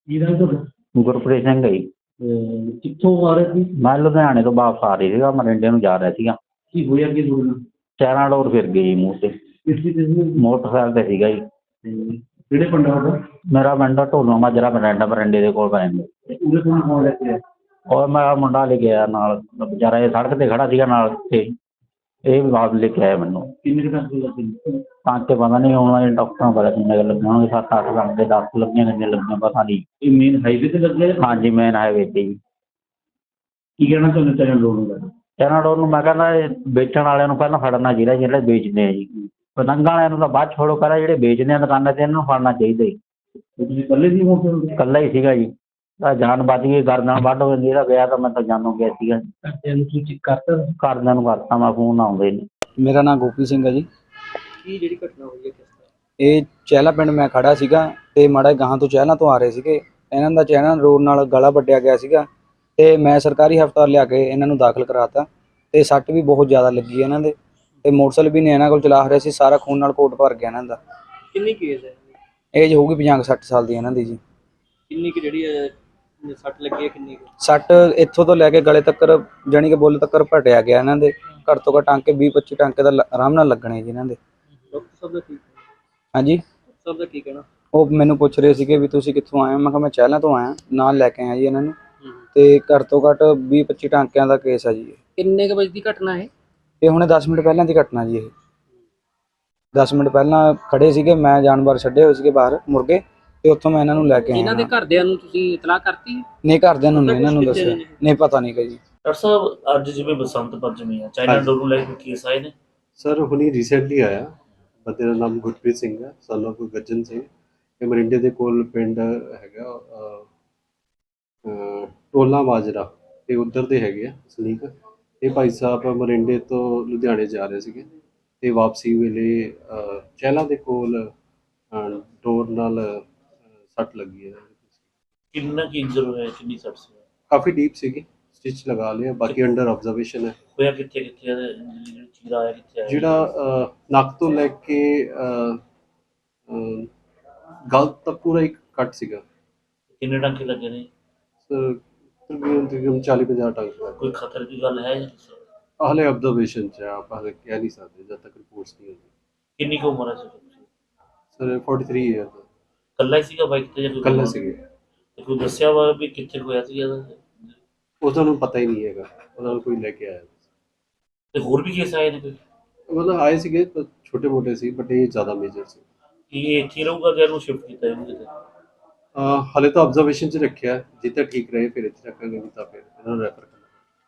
ਕੀ ਨਾਮ ਤੁਹਾਡਾ? ਗੁਰਪ੍ਰੀਤ ਸਿੰਘ ਹੈ ਜੀ। ਕਿੱਥੋਂ ਆ ਰਹੇ ਸੀ? ਮੈਂ ਲੁਧਿਆਣੇ ਤੋਂ ਵਾਪਸ ਆ ਰਹੀ ਸੀਗਾ, ਮਰਿੰਡੇ ਨੂੰ ਜਾ ਰਿਹਾ ਸੀਗਾ। ਕੀ ਹੋਇਆ ਕੀ ਤੁਹਾਡੇ ਨਾਲ? ਚਾਰਾਂ ਡੋਰ ਫਿਰ ਗਈ ਜੀ ਮੂੰਹ ਤੇ। ਕਿਸ ਚੀਜ਼ ਦੀ? ਮੋਟਰਸਾਈਕਲ ਤੇ ਸੀਗਾ ਜੀ। ਕਿਹੜੇ ਪਿੰਡ ਆ ਤੁਹਾਡਾ? ਮੇਰਾ ਪਿੰਡ ਢੋਲੋ ਮਾਜਰਾ, ਮਰਿੰਡੇ ਦੇ ਕੋਲ ਪੈਂਦਾ। ਉਹਦੇ ਕੋਲ ਕੌਣ ਲੈ ਕੇ ਆਇਆ? ਔਰ ਮੇਰਾ ਮੁੰਡਾ ਲੈ ਕੇ ਆਇਆ ਨਾਲ, ਵਿਚਾਰਾ ਇਹ ਸੜਕ ਤੇ ਖੜਾ ਸੀਗਾ ਨਾਲ ਤੇ ਇਹ ਵੀ ਬਾਅਦ ਲੈ ਕੇ ਆਇਆ ਮੈਨੂੰ। ਕਿੰਨੇ ਕੁ ਟਾਂਕੇ ਲੱਗੇ? ਟਾਂਕੇ ਪਤਾ ਨਹੀਂ, ਹੁਣ ਡਾਕਟਰਾਂ ਪਤਾ ਕਿੰਨੇ ਕੁ ਲੱਗੇ ਹੋਣਗੇ, 7-8 ਟਾਂਕੇ, 10 ਲੱਗੀਆਂ, ਕਿੰਨੇ ਲੱਗੀਆਂ ਪਤਾ ਨਹੀਂ। ਇਹ ਮੇਨ ਹਾਈਵੇ ਤੇ ਲੱਗੇ? ਹਾਂਜੀ, ਮੇਨ ਹਾਈਵੇ ਤੇ ਜੀ। ਕੀ ਕਹਿਣਾ ਚਾਹੁੰਦੇ ਚਾਰਾਂ ਲੋੜ ਨੂੰ? ਚਾਰਾਂ ਡੋਰ ਨੂੰ ਮੈਂ ਕਹਿੰਦਾ ਇਹ ਵੇਚਣ ਵਾਲਿਆਂ ਨੂੰ ਪਹਿਲਾਂ ਫੜਨਾ ਚਾਹੀਦਾ, ਜਿਹੜੇ ਵੇਚਦੇ ਆ ਜੀ। ਪਤੰਗਾਂ ਵਾਲਿਆਂ ਨੂੰ ਤਾਂ ਬਾਅਦ ਛੋੜੋ, ਕਰਾ ਜਿਹੜੇ ਵੇਚਦੇ ਆ ਦੁਕਾਨਾਂ ਤੇ ਇਹਨਾਂ ਨੂੰ ਫੜਨਾ ਚਾਹੀਦਾ ਜੀ। ਤੁਸੀਂ ਇਕੱਲੇ ਸੀ ਮੋਟਰਸਾਈਕਲ? ਇਕੱਲਾ ਹੀ ਸੀਗਾ ਜੀ। ਤਾਂ ਜਾਨ ਬਚ ਗਈ, ਗਰਦਨ ਵੱਢ ਹੋ ਜਾਂਦੀ। ਇਹਦਾ ਵਿਆਹ ਤਾਂ ਮੈਂ ਤਾਂ ਜਾਨੋਂ ਗਿਆ ਸੀਗਾ। ਘਰਦਿਆਂ ਨੂੰ ਸੂਚਿਤ ਕਰਤਾ? ਘਰਦਿਆਂ ਨੂੰ ਕਰਤਾ ਮੈਂ ਫੋਨ, ਆਉਂਦੇ ਨੇ। ਮੇਰਾ ਨਾਮ ਗੋਪੀ ਸਿੰਘ ਹੈ ਜੀ। ਕੀ ਜਿਹੜੀ ਘਟਨਾ ਹੋਈ ਹੈ ਕਿਸ ਤਰ੍ਹਾਂ? ਇਹ ਚਹਿਲਾ ਪਿੰਡ ਮੈਂ ਖੜਾ ਸੀਗਾ ਤੇ ਮਾੜਾ ਗਾਹਾਂ ਤੋਂ ਚਹਿਲਾਂ ਤੋਂ ਆ ਰਹੇ ਸੀਗੇ। ਇਹਨਾਂ ਦਾ ਚਹਿਲਾਂ ਰੋਡ ਨਾਲ ਗਲਾ ਵੱਢਿਆ ਗਿਆ ਸੀਗਾ ਤੇ ਮੈਂ ਸਰਕਾਰੀ ਹਸਪਤਾਲ ਲਿਆ ਕੇ ਇਹਨਾਂ ਨੂੰ ਦਾਖਲ ਕਰਾਤਾ ਤੇ ਸੱਟ ਵੀ ਬਹੁਤ ਜ਼ਿਆਦਾ ਲੱਗੀ ਇਹਨਾਂ ਦੇ ਤੇ ਮੋਟਰਸਾਈਕਲ ਵੀ ਨੇ ਇਹਨਾਂ ਕੋਲ ਚਲਾ ਰਿਹਾ ਸੀ, ਸਾਰਾ ਖੂਨ ਨਾਲ ਕੋਟ ਭਰ ਗਿਆ ਇਹਨਾਂ ਦਾ। ਕਿੰਨੀ ਕੇਸ ਹੈ? ਏਜ ਹੋਊਗੀ 50-60 ਸਾਲ ਦੀ ਇਹਨਾਂ ਦੀ ਜੀ। ਕਿੰਨੀ ਕਿ ਜਿਹੜੀ ਸੱਟ ਲੱਗੀ ਹੈ ਕਿੰਨੀ ਕੁ? ਸੱਟ ਇੱਥੋਂ ਤੋਂ ਲੈ ਕੇ ਗਲੇ ਤੱਕ, ਜਾਣੀ ਕਿ ਬੁੱਲ ਤੱਕ ਭਟਿਆ ਗਿਆ ਇਹਨਾਂ ਦੇ। ਘੱਟ ਤੋਂ ਘੱਟ ਟਾਂਕੇ 20-25 ਟਾਂਕੇ ਦਾ ਆਰਾਮ ਨਾਲ ਲੱਗਣੇ ਜੀ ਇਹਨਾਂ ਦੇ। ਡਾਕਟਰ ਸਾਹਿਬ ਦਾ ਕੀ? ਹਾਂਜੀ, ਡਾਕਟਰ ਸਾਹਿਬ ਦਾ ਕੀ ਕਹਿਣਾ? ਉਹ ਮੈਨੂੰ ਪੁੱਛ ਰਹੇ ਸੀਗੇ ਵੀ ਤੁਸੀਂ ਕਿੱਥੋਂ ਆਏ ਹੋ। ਮੈਂ ਕਿਹਾ ਮੈਂ ਚਹਿਲਾਂ ਤੋਂ ਆਇਆ, ਨਾਲ ਲੈ ਕੇ ਆਇਆ ਜੀ ਇਹਨਾਂ ਨੂੰ। ਤੇ ਘੱਟ ਤੋਂ ਘੱਟ 20-25 ਟਾਂਕਿਆਂ ਦਾ ਕੇਸ ਆ ਜੀ। ਕਿੰਨੇ ਕੁ ਵਜੇ ਦੀ ਘਟਨਾ ਹੈ? ਇਹ ਹੁਣੇ 10 ਮਿੰਟ ਪਹਿਲਾਂ ਦੀ ਘਟਨਾ ਜੀ। ਇਹ 10 ਮਿੰਟ ਪਹਿਲਾਂ ਖੜੇ ਸੀਗੇ, ਮੈਂ ਜਾਨਵਰ ਛੱਡੇ ਹੋਏ ਸੀਗੇ ਬਾਹਰ ਮੁਰਗੇ, ਤੇ ਉੱਥੋਂ ਮੈਂ ਇਹਨਾਂ ਨੂੰ ਲੈ ਕੇ ਆਇਆ। ਇਹਨਾਂ ਦੇ ਘਰਦਿਆਂ ਨੂੰ ਤੁਸੀਂ ਇਤਲਾਹ ਕਰਤੀ? ਨਹੀਂ, ਘਰਦਿਆਂ ਨੂੰ ਨਹੀਂ ਇਹਨਾਂ ਨੂੰ ਦੱਸਿਆ, ਨਹੀਂ ਪਤਾ ਨਹੀਂ ਜੀ। ਡਾਕਟਰ ਸਾਹਿਬ, ਅੱਜ ਜਿਵੇਂ ਬਸੰਤ ਪੰਚਮੀ ਆ, ਚਾਈਨਾ ਡੋਰ ਨੂੰ ਲੈ ਕੇ ਕੇਸ ਆਏ ਨੇ? ਸਰ ਹੁਣੀ ਰੀਸੈਂਟਲੀ ਆਇਆ। ਬੰਦੇ ਦਾ ਨਾਮ ਗੁਰਪ੍ਰੀਤ ਸਿੰਘ ਹੈ, ਸਨ ਆਫ ਗੱਜਨ ਸਿੰਘ। ਇਹ ਮਰਿੰਡੇ ਦੇ ਕੋਲ ਪਿੰਡ ਹੈਗਾ ਟੋਲਾ ਮਾਜਰਾ, ਤੇ ਉੱਧਰ ਦੇ ਹੈਗੇ ਆ ਸਲੀਕ। ਇਹ ਭਾਈ ਸਾਹਿਬ ਮਰਿੰਡੇ ਤੋਂ ਲੁਧਿਆਣੇ ਜਾ ਰਹੇ ਸੀਗੇ ਤੇ ਵਾਪਸੀ ਵੇਲੇ ਚਹਿਲਾਂ ਦੇ ਕੋਲ ਡੋਰ ਨਾਲ ਸੱਟ ਲੱਗੀ ਹੈ। ਕਿੰਨਾ ਕੀ ਇੰਜਰ ਹੋਇਆ, ਕਿੰਨੀ ਸੱਟ ਸੀ? ਕਾਫੀ ਡੀਪ ਸੀਗੀ, ਸਟਿਚ ਲਗਾ ਲਿਆ, ਬਾਕੀ ਅੰਡਰ ਆਬਜ਼ਰਵੇਸ਼ਨ ਹੈ। ਹੋਇਆ ਕਿੱਥੇ ਕਿੱਥੇ, ਜਿਹੜਾ ਚੀਰਾ ਆਇਆ ਕਿੱਥੇ ਆਇਆ? ਜਿਹੜਾ ਨੱਕ ਤੋਂ ਲੈ ਕੇ ਗਲ ਤੱਕ ਪੂਰਾ ਇੱਕ ਕੱਟ ਸੀਗਾ। ਕਿੰਨੇ ਟਾਂਕੇ ਲੱਗੇ ਨੇ? ਸਰ ਤਕਰੀਬਨ 40-50 ਟਾਂਕੇ। ਕੋਈ ਖਤਰੇ ਦੀ ਗੱਲ ਹੈ? ਹਾਲੇ ਆਬਜ਼ਰਵੇਸ਼ਨ 'ਚ ਆ, ਆਪਾਂ ਹਾਲੇ ਕਹਿ ਨਹੀਂ ਸਕਦੇ ਜਦ ਤੱਕ ਰਿਪੋਰਟਸ ਨਹੀਂ ਹੁੰਦੀ। ਕਿੰਨੀ ਕੁ ਉਮਰ ਹੈ ਸਰ 43 ਈਅਰ ਦਾ। ਇਕੱਲਾ ਹੀ ਸੀਗਾ ਬਾਈਕ ਤੇ ਜਾਂ ਕੋਈ? ਇਕੱਲਾ ਸੀਗੇ। ਤੇ ਕੋਈ ਦੱਸਿਆ ਵਾ ਵੀ ਕਿੱਥੇ ਹੋਇਆ ਸੀ ਇਹਦਾ? ਉਹਨਾਂ ਨੂੰ ਪਤਾ ਹੀ ਨਹੀਂ ਹੈਗਾ, ਉਹਨਾਂ ਨੂੰ ਕੋਈ ਲੈ ਕੇ ਆਇਆ। ਤੇ ਹੋਰ ਵੀ ਕੇਸ ਆਏ ਨੇ ਕੋਈ? ਮਤਲਬ ਆਏ ਸੀਗੇ, ਛੋਟੇ ਮੋਟੇ ਸੀ, ਬਟ ਇਹ ਜ਼ਿਆਦਾ ਮੇਜਰ ਸੀ। ਕੀ ਇਹ ਇੱਥੇ ਰਹੂਗਾ ਜਾਂ ਇਹਨੂੰ ਸ਼ਿਫਟ ਕੀਤਾ ਇਹਨੂੰ ਕਿਤੇ? ਹਾਲੇ ਤਾਂ ਆਬਜ਼ਰਵੇਸ਼ਨ 'ਚ ਰੱਖਿਆ, ਜਿੱਥੇ ਠੀਕ ਰਹੇ ਫਿਰ ਇੱਥੇ ਰੱਖਾਂਗੇ, ਨਹੀਂ ਤਾਂ ਫਿਰ ਇਹਨਾਂ ਨੂੰ ਰੈਫਰ